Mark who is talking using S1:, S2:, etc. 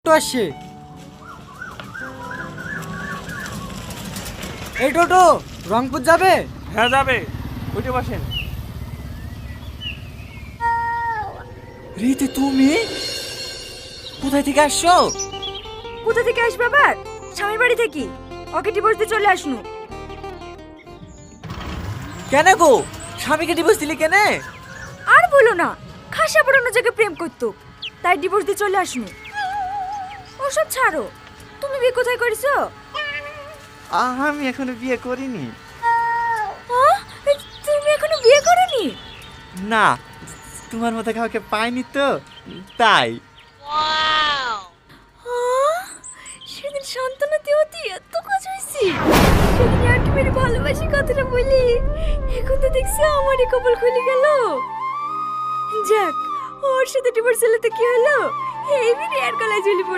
S1: টোটো আসছে। এই টোটো রংপুর যাবে?
S2: হ্যাঁ যাবে, উঠে বসেন।
S3: রীতি, তুমি কোথায় থেকে আসছো?
S4: কোথা থেকে আসবে আবার? স্বামীর বাড়ি থেকে। ওকে ডিভোর্স দিয়ে চলে আসনু।
S3: কেন গো, স্বামীকে ডিভোর্স দিলি কেন?
S4: আর বলো না, খাসা বড় জায়গায় প্রেম করতো, তাই ডিভোর্স দিয়ে চলে আসনু। ওসব ছাড়ো, তুমি বিয়ে কোথায় করেছো?
S3: আমি এখনো বিয়ে করিনি।
S4: তুমি এখনো বিয়ে করোনি?
S3: না, তোমার মতো কাউকে পাইনি তো, তাই।
S4: সেদিন শান্তনা দেওয়াতে এত কাজ হয়েছে, সেদিন আর কি মেরে ভালোবাসি কথাটা বলি, এখন তো দেখছি আমারই কপাল খুলে গেল। যাক, ওর সাথে ডিভোর্স হলে তো কি হলো, এই বিয়ে আর গলায় ঝুলি পড়ে